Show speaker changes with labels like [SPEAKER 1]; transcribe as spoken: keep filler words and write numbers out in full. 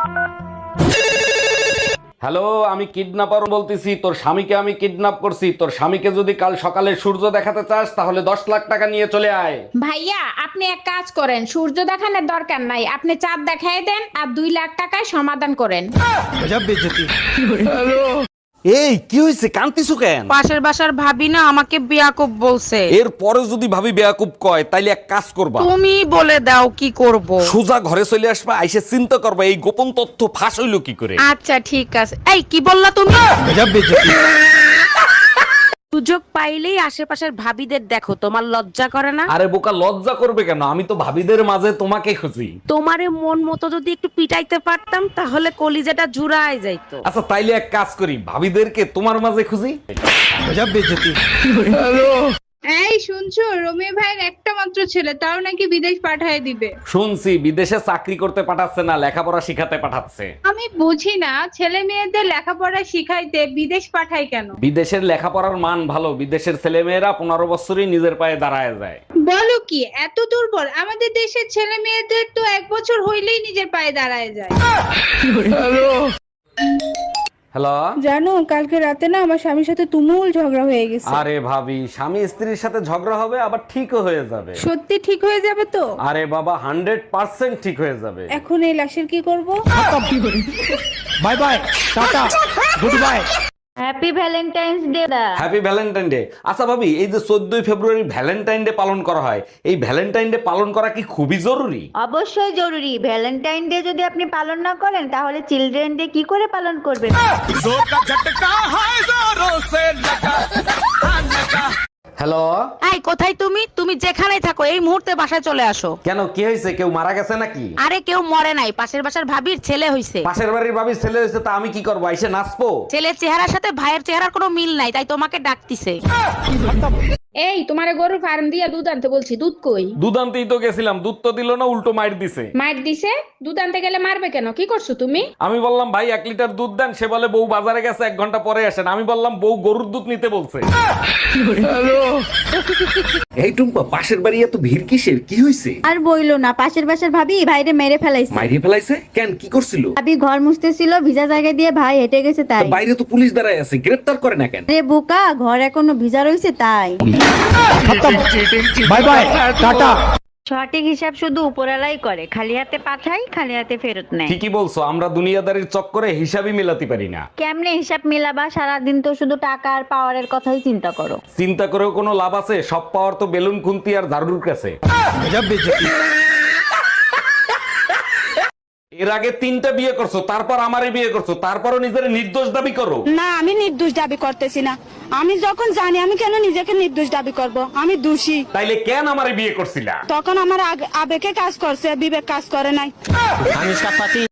[SPEAKER 1] Hello, আমি kidnapper বলতেছি। তোর স্বামীকে আমি কিডন্যাপ করছি। তোর স্বামীকে যদি কাল সকালে সূর্য দেখাতে চাস তাহলে দশ লাখ টাকা নিয়ে চলে আয়।
[SPEAKER 2] ভাইয়া আপনি এক কাজ করেন, সূর্য দেখানোর দরকার নাই, আপনি চাঁদ দেখাই দেন আর দুই লাখ টাকায় সমাধান করেন।
[SPEAKER 1] এই কি হয়েছে, কান্তিছু কেন?
[SPEAKER 3] পাশের বাসার ভাবি না আমাকে বিয়াকুব বলছে।
[SPEAKER 1] এর পরে যদি ভাবি বেয়াকুব কয় তাইলে এক কাজ করবা,
[SPEAKER 3] তুমি বলে দাও কি করব।
[SPEAKER 1] সোজা ঘরে চলে আসবা, আইসে চিন্তা করবা এই গোপন তথ্য ফাঁস হইলো কি করে।
[SPEAKER 3] আচ্ছা ঠিক আছে। এই কি বললা তুমি? সুযোগ পাইলেই আশেপাশের ভাবিদের দেখো, তোমার লজ্জা করে না?
[SPEAKER 1] আরে বোকা, লজ্জা করবে কেন? আমি তো ভাবিদের মাঝে তোমাকে খুঁজি।
[SPEAKER 3] তোমারে মন মতো যদি একটু পিটাইতে পারতাম তাহলে কলিজাটা জুড়ায় যাইতো।
[SPEAKER 1] আচ্ছা তাইলে এক কাজ করি, ভাবিদেরকে তোমার মাঝে খুঁজি।
[SPEAKER 4] এই শুনছো, রমি ভাইয়ের একটা মাত্র ছেলে, তাও নাকি বিদেশ পাঠায় দিবে।
[SPEAKER 1] শুনছি বিদেশে চাকরি করতে পাঠাচ্ছে না, লেখাপড়া শিখাতে পাঠাচ্ছে।
[SPEAKER 4] আমি বুঝি না, ছেলে মেয়েদের লেখাপড়া শিখাইতে বিদেশ পাঠায় কেন?
[SPEAKER 1] বিদেশের লেখাপড়ার মান ভালো, বিদেশের ছেলে মেয়েরা পনেরো বছরই নিজের পায়ে দাঁড়ায় যায়।
[SPEAKER 4] বলো কি, এত দুর্বল? আমাদের দেশের ছেলে মেয়েদের তো এক বছর হইলেই নিজের পায়ে দাঁড়ায় যায়।
[SPEAKER 1] হ্যালো।
[SPEAKER 4] জানো, কালকে রাতে না আমার স্বামীর সাথে তুমুল ঝগড়া হয়ে গেছে।
[SPEAKER 1] আরে ভাবি, স্বামী স্ত্রীর সাথে ঝগড়া হবে আবার ঠিকও হয়ে যাবে।
[SPEAKER 4] সত্যি ঠিক হয়ে যাবে তো?
[SPEAKER 1] আরে বাবা, হান্ড্রেড পার্সেন্ট ঠিক হয়ে যাবে।
[SPEAKER 4] এখন এই লাশের কি করব?
[SPEAKER 1] Bye bye, tata, good bye.
[SPEAKER 5] Happy Valentine's day দা।
[SPEAKER 1] Happy Valentine day. আচ্ছা ভাবি, এই যে চোদ্দই ফেব্রুয়ারি ভ্যালেন্টাইন ডে পালন করা হয়, এই ভ্যালেন্টাইন ডে পালন করা কি খুবই জরুরি?
[SPEAKER 5] অবশ্যই জরুরি। ভ্যালেন্টাইন ডে যদি আপনি পালন না করেন তাহলে চিলড্রেন ডে কি করে পালন করবেন?
[SPEAKER 1] হ্যালো।
[SPEAKER 3] এই কোথায় তুমি? তুমি যেখানেই থাকো এই মুহূর্তে বাসায় চলে আসো।
[SPEAKER 1] কেন, কি হয়েছে? কেউ মারা গেছে নাকি?
[SPEAKER 3] আরে কেউ মরে নাই, পাশের বাসার ভাবির ছেলে হইছে।
[SPEAKER 1] পাশের বাড়ির ভাবির ছেলে হয়েছে, তা আমি কি করবো? আইসে নাচবো?
[SPEAKER 3] ছেলের চেহারার সাথে ভাইয়ের চেহারার কোনো মিল নাই, তাই তোমাকে ডাকতিছে।
[SPEAKER 2] এই তোমারে গরুর ফার্ম দিয়ে দুধ আনতে বলছি, দুধ কই?
[SPEAKER 1] দুধ আনতেই তো গেছিলাম, দুধ তো দিল না, উল্টো মাইর দিছে।
[SPEAKER 2] মার দিছে? দুধ আনতে গেলে মারবে কেন? কি করছো তুমি?
[SPEAKER 1] আমি বললাম ভাই এক লিটার দুধ দেন, সে বলে বউ বাজারে গেছে, এক ঘন্টা পরে আসেন। আমি বললাম বউ গরুর দুধ নিতে বলছে। এই টুম্পা, পাশের বাড়ি এত ভিড় কিসের? কি হয়েছে?
[SPEAKER 6] আর বইলো না, পাশের বাসার ভাবি ভাইরে মেরে ফেলাইছে।
[SPEAKER 1] মাইরে ফেলাইছে কেন? কি করছিল?
[SPEAKER 6] ভাবি ঘর মুছতেছিল, ভিজা জায়গা দিয়ে ভাই হেঁটে গেছে তাই।
[SPEAKER 1] বাইরে তো পুলিশ দাঁড়ায় আছে, গ্রেফতার করে না কেন?
[SPEAKER 6] রে বোকা, ঘর এখনো ভিজা রয়েছে তাই।
[SPEAKER 1] Bye bye, tata.
[SPEAKER 5] সঠিক হিসাব শুধু উপরালাই করে, খালি হাতে পাঠাই খালি হাতে ফেরত নেয়।
[SPEAKER 1] ঠিকই বলছো, আমরা দুনিয়াদারির চক্করে হিসাবই মেলাতে পারি না।
[SPEAKER 5] কেমনে হিসাব মিলাবা? সারাদিন তো শুধু টাকা আর পাওয়ারের কথাই চিন্তা করো।
[SPEAKER 1] চিন্তা করেও কোনো লাভ আছে? সব পাওয়ার তো বেলুন খুন্তি আর ঝাড়ুর কাছে। এর আগে তিনটা বিয়ে করছো, তারপর আমারে বিয়ে করছো, তারপরও নিজের নির্দোষ দাবি করো।
[SPEAKER 7] না, আমি নির্দোষ দাবি করতেছি না। আমি যখন জানি আমি কেন নিজেকে নির্দোষ দাবি করব? আমি দোষী।
[SPEAKER 1] তাইলে কেন আমারে বিয়ে করছিলা?
[SPEAKER 7] তখন আমার আগ- আবেগে কাজ করছে, বিবেক কাজ করে নাই।